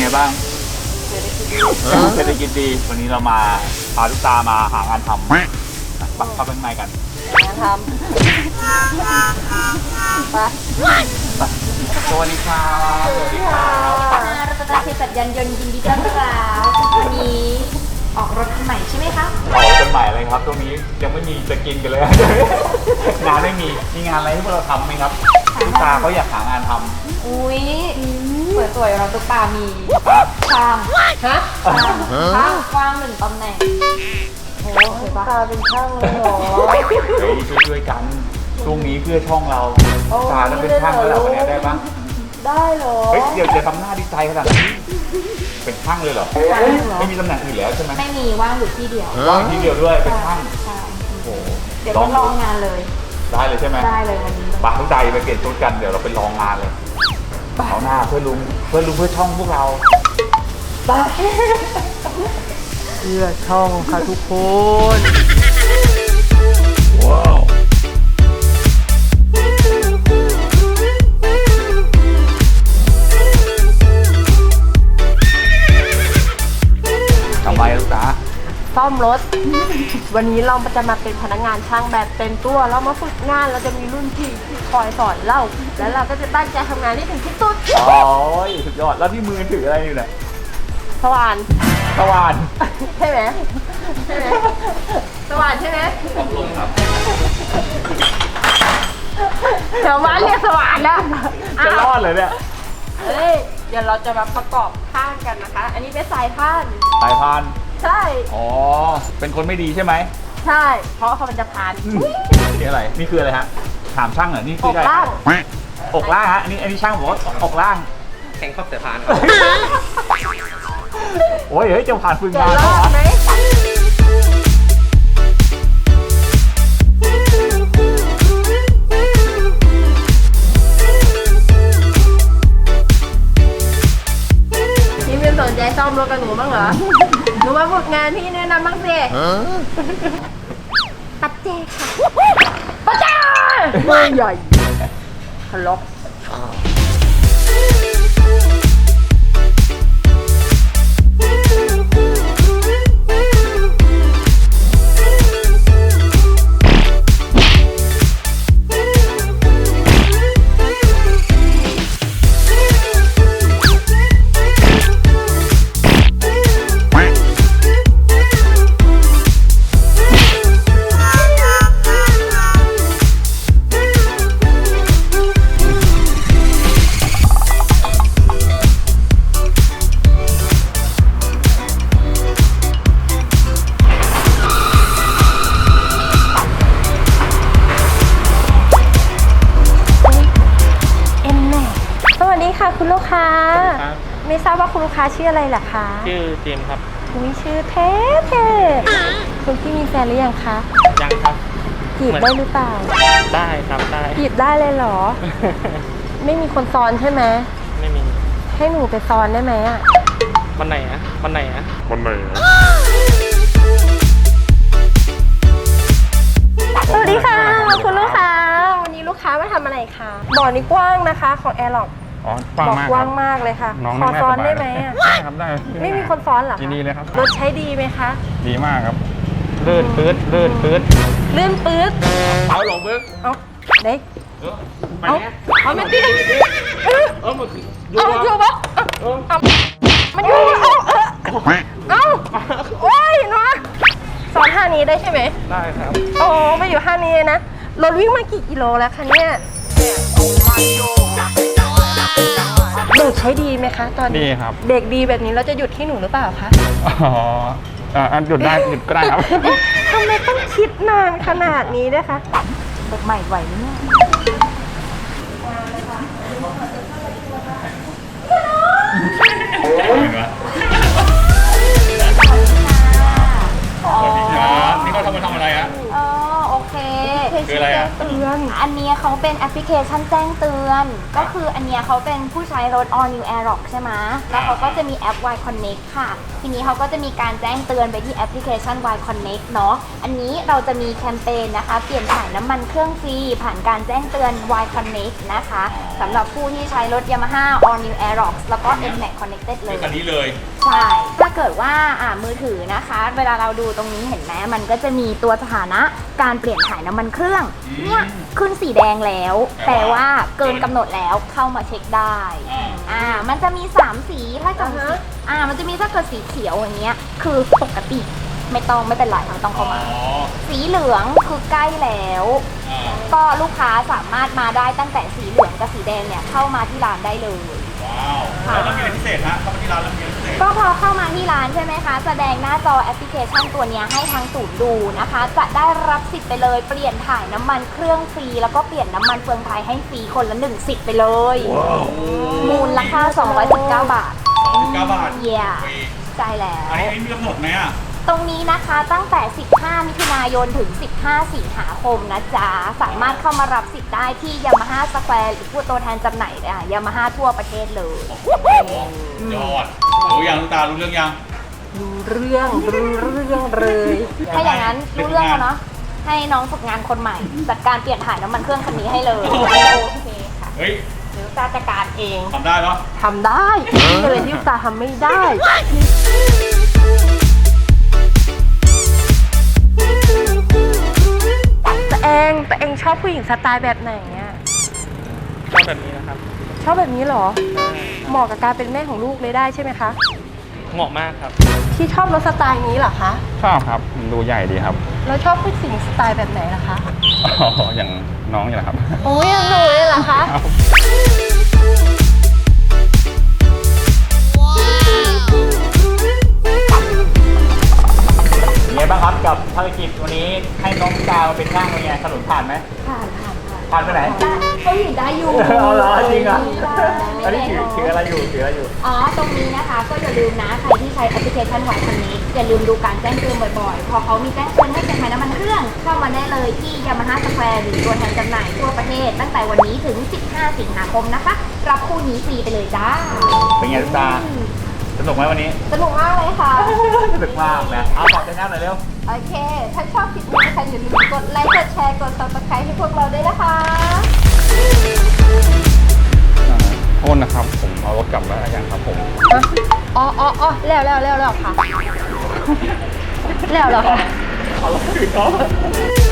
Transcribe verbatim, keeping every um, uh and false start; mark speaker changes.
Speaker 1: ไงบ้างเศรษฐกิจดีวันนี้เรามาพาลูกตามาหางานทำปักเข้าไปข้างในกัน
Speaker 2: งานทำไป
Speaker 1: สวัสดีครับสวัสดีครับ
Speaker 2: รัตนาเภสัชยันยนต์ยินดีต้อนรับวันนี้ออกรถคันใหม่ใช่ไหมคะ
Speaker 1: ออกรถคันใหม่เลยครับตรงนี้ยังไม่มีจะกินกันเลยงานไม่มีมีงานอะไรที่พวกเราทำไหมครับลูกตาเขาอยากหางานทำ
Speaker 2: อุ้ยสวยๆเราตุ๊กตามีช่างฮะช่างกว้างหนึ่งตำแหน่งโอ้โหตาเป็นช่างเลยเหรอ
Speaker 1: เฮ้ยช่วยๆกันช่วงนี้เพื่อช่องเราตาต้องเป็นช่างแล้วเราเนี่ยได้ปะ
Speaker 2: ได้เหรอ
Speaker 1: เฮ้ยเดี๋ยวจะทำหน้าดีใจขนาดนี้เป็นช่างเลยเหรอไม่มีตำแหน่งอื่นแล้วใช่ไหม
Speaker 2: ไม่มีว่างอยู่ที่เดียว
Speaker 1: ว่างที่เดียวด้วยเป็นช่าง
Speaker 2: โอ้โหเดี๋ยวต้องลองงานเลย
Speaker 1: ได้เลยใช่ไหม
Speaker 2: ได้เลยวันนี้
Speaker 1: ปะทุกใจไปเปลี่ยนชุดกันเดี๋ยวเราไปลองงานเลยเอาหน้าเพื่อลุงเพื่อลุงเพื่อช่องพวกเรา
Speaker 2: ไป
Speaker 1: เพื่อช่องค่ะทุกคนว้าวทำไมลูกตา
Speaker 3: ซ่อมรถวันนี้เราจะมาเป็นพนักงานช่างแบบเต็มตัวเรามาฝึกงานเราจะมีรุ่นพี่ที่คอยสอนเราแล้วเราก็จะตั้งใจทำงานให้ถึงที่สุด
Speaker 1: โอ้ยสุดยอดแล้วที่มือถืออะไรอยู่เนี่ย
Speaker 3: สว่าน
Speaker 1: สว่าน
Speaker 3: ใช่ไหมใช่ไหมสว่านใช่ไหม
Speaker 1: ขอบคุณครับ
Speaker 3: เดี๋ยวมาเรียกสว่านแล้ว
Speaker 1: จะรอดเลยเนี่ย
Speaker 3: เฮ้ยเดี๋ยวเราจะมาประกอบข้างกันนะคะอันนี้เป็นสายพาน
Speaker 1: สายพาน
Speaker 3: ใช่
Speaker 1: อ๋อเป็นคนไม่ดีใช่ไหม
Speaker 3: ใช่เพราะเขามันจะพาน
Speaker 1: นี่อะไรนี่คืออะไรฮะถามช่างเหรอนี่คืออะไรอกล่างฮะอันนี้อันนี้ช่างบอกว่าอกล่าง
Speaker 4: แข่งข้อบสายพาน
Speaker 1: โอ้ยเฮ้ยจะผ่านฝึกงานเหรอ
Speaker 3: พี่ไม่สนใจซ่อมรถกับหนูบ้างเหรอหนูมาฝึกงานพี่แนะนำบ้างสิปัจเจกค่ะปัจเจกเบอร์ใหญ่ทะเลาะคุณลูกค้าไม่ทราบว่าคุณลูกค้าชื่ออะไรล่ะคะ
Speaker 4: ชื่อเจมส์ครับ
Speaker 3: คุณชื่อเท่เท่คุณพี่มีแฟนหรือยังคะ
Speaker 4: ยังครับ
Speaker 3: จีบได้หรือเปล่า
Speaker 4: ได้ครับได้
Speaker 3: จีบได้เลยเหรอไม่มีคนซ้อนใช่ไหม
Speaker 4: ไม่มี
Speaker 3: ให้หนูไปซ้อนได้ไหมอ่ะ
Speaker 4: วันไหนอะวันไหนอะ
Speaker 1: วันไหนอะ
Speaker 3: สวัสดีค่ะคุณลูกค้าวันนี้ลูกค้ามาทำอะไรคะบ่อนี้กว้างนะคะของแอร์ล็อกบอกกว้างมากเลยค่ะขอซ้อนได้ไหมอ่ะ
Speaker 5: ได้ครับได้
Speaker 3: ไม่มีคนซ้อนหรอ
Speaker 5: ยินดีเลยครับ
Speaker 3: รถใช้ดีไหมคะ
Speaker 5: ดีมากครับ
Speaker 4: ลื่นปื๊ดลื่นปื๊ด
Speaker 3: ลื่นปื๊ด
Speaker 1: เอาหลงปึ๊ก
Speaker 3: เอาเด็ก
Speaker 1: เอา
Speaker 3: เอามันตี
Speaker 1: เอามัน
Speaker 3: เอาอยู่ปะเอามันอยู่เอาเอาโอ้ยเนาะซ้อนท่านี้ได้ใช่ไหม
Speaker 4: ได้ครับ
Speaker 3: โอ้ไปอยู่ท่านี้นะรถวิ่งมากี่กิโลแล้วคะเนี่ยเด็กใช้ดีไหมคะตอนนี้
Speaker 5: ดีครับ
Speaker 3: เด็กดีแบบนี้เราจะหยุดให้หนูหรือเปล่าคะ
Speaker 5: อ๋ออ่าหยุดได้หยุดก็ได้ครับ
Speaker 3: ทำไมต้องคิดนานขนาดนี้ด้วยคะเด็กใหม่ไหวไหมเนี่ย
Speaker 1: สวัสดีครับนี่เขาทำมาทำอะไรฮะ
Speaker 2: อ๋อโอเค
Speaker 1: คืออะไรอ่ะ
Speaker 2: เตือนอันนี้เขาเป็นเป็นแอปพลิเคชันแจ้งเตือน ก็คืออันเนี้ยเขาเป็นผู้ใช้รถ All New Aerox ใช่ไหมแล้วเขาก็จะมีแอป Y Connect ค่ะ ทีนี้เขาก็จะมีการแจ้งเตือนไปที่แอปพลิเคชัน Y Connect เนาะ อันนี้เราจะมีแคมเปญนะคะ เปลี่ยนถ่ายน้ำมันเครื่องฟรีผ่านการแจ้งเตือน Y Connect นะคะสำหรับผู้ที่ใช้รถ Yamaha All New Aerox แล้วก็ N MAX Connected เลย
Speaker 1: คันนี้เลย
Speaker 2: ใช่ ถ้าเกิดว่าอ่ามือถือนะคะ เวลาเราดูตรงนี้เห็นไหมมันก็จะมีตัวสถานะการเปลี่ยนถ่ายน้ำมันเครื่อง เนี่ยขึ้นสีแดงแล้ว
Speaker 1: แปล
Speaker 2: แต่
Speaker 1: ว่า
Speaker 2: ว่าเกินกำหนดแล้วเข้ามาเช็คได้ อ่า มันจะมีสามสีถ้าเกิดสีอ่า มันจะมีถ้าเกิดสีเขียวอย่างเงี้ย คือปกติไม่ต้องไม่เป็นไรไม่ต้องเข้ามา
Speaker 1: อ๋อ
Speaker 2: สีเหลืองคือใกล้แล้ว
Speaker 1: อ่า
Speaker 2: ก็ลูกค้าสามารถมาได้ตั้งแต่สีเหลืองกับสีแดงเนี่ยเข้ามาที่ร้านได้เลย
Speaker 1: ว้าวแล้วต้องมีอะไรพิเศษฮะเข้ามาที่ร้านแล้วมีอะไรพิเศษ
Speaker 2: ก็พอเข้ามาที่ร้านใช่ไหมคะ แสดงหน้าจอแอปพลิเคชันตัวเนี้ยให้ทางศูนย์ดูนะคะ จะได้รับสิทธิ์ไปเลย เปลี่ยนถ่ายน้ำมันเครื่องฟรีแล้วก็เปลี่ยนน้ำมันเฟืองไทยให้ฟรีคนละหนึ่งสิทธิ์ไปเลย มูลค่าสองร้อยสิบเก้าบาท
Speaker 1: สองสิบเก้าบาท
Speaker 2: เยี่ย
Speaker 1: ฟรี
Speaker 2: ใช่แล้ว
Speaker 1: อันนี้มีกำหนดไหมอ่ะ
Speaker 2: ตรงนี้นะคะตั้งแต่ สิบห้า มิถุนายน ถึง สิบห้า สิงหาคมนะจ๊ะ สามารถเข้ามารับสิทธิ์ได้ที่ Yamaha Square หรือผู้ตัวแทนจำหน่ายอ่ะ Yamaha ทั่วประเทศเลย
Speaker 1: โอ้โหยอดรู้ยังลูกตารู้เรื่องยัง
Speaker 3: รู้เรื่องรู้เรื่องเลย
Speaker 2: ถ้าอย่างนั้นรู้เรื่องแล้วเนาะ ให้น้องฝึกงานคนใหม่ จัดการเปลี่ยนถ่ายน้ำมันเครื่องคันนี้ให้เลย โอเคค่ะ
Speaker 1: เฮ้ย
Speaker 3: เดี๋ยวตาจัดการเอง
Speaker 1: ทำได้เนาะ
Speaker 3: ทำได้เลยที่ตาทำไม่ได้แต่เองแต่เองชอบผู้หญิงสไตล์แบบไหนอ่ะ
Speaker 4: ชอบแบบนี้นะครับ
Speaker 3: ชอบแบบนี้เหรอ เหมาะกับการเป็นแม่ของลูกเลยได้ใช่ไหมคะ
Speaker 4: เหมาะมากครับ
Speaker 3: ที่ชอบรถสไตล์นี้เหรอคะ
Speaker 5: ชอบครับมันดูใหญ่ดีครับ
Speaker 3: แล้วชอบผู้หญิงสไตล์แบบไหนล่ะคะ
Speaker 5: อ๋ออย่างน้องนี่แหละครับ
Speaker 3: โอ้ยหนูเลยเหรอคะ
Speaker 1: เป็นไงบ้างครับกับภารกิจวันนี้ให้น้องดาวเป็นช่างเป็นไงถนนผ่านไหม
Speaker 2: ผ่านผ่านผ่าน
Speaker 1: ผ่านไปไหน
Speaker 2: ได้ก็เห็นได้อยู่
Speaker 1: เอาเหรอจริงเหรอ
Speaker 2: ได้
Speaker 1: อันนี้ถือถืออะไรอยู่ถืออะไรอยู่
Speaker 2: อ๋อ ตรงนี้นะคะ ก็อย่าลืมนะ ใครที่ใช้แอปพลิเคชันไหวคันนี้ อย่าลืมดูการแจ้งเตือนบ่อยๆ พอเขามีแจ้งเตือนให้เปลี่ยนถ่ายน้ำมันเครื่อง เข้ามาได้เลยที่ Yamaha Square หรือตัวแทนจำหน่ายทั่วประเทศ ตั้งแต่วันนี้ถึง สิบห้า สิงหาคมนะคะ รับคู่นี้ฟรีไปเลยจ้า
Speaker 1: เป็นไงลูกตาสนุกไหมวันนี้
Speaker 2: สนุกมากเลยค่ะ
Speaker 1: สนุกมากนะเอาฝากชแนลหน่อยเร็ว
Speaker 2: โอเค ถ้าชอบคลิปนี้นะคะอย่าลืมกดไลค์ กดแชร์ กด Subscribe ให้พวกเราด้วยนะคะ
Speaker 5: โทษนะครับ ผมเอารถกลับแล้วยังครับผม
Speaker 3: อ๋ออ๋ออ๋อแล้วแล้วแล้วแล้วค่ะ แล้วแล้วค่ะ
Speaker 1: เอารถคืนเขา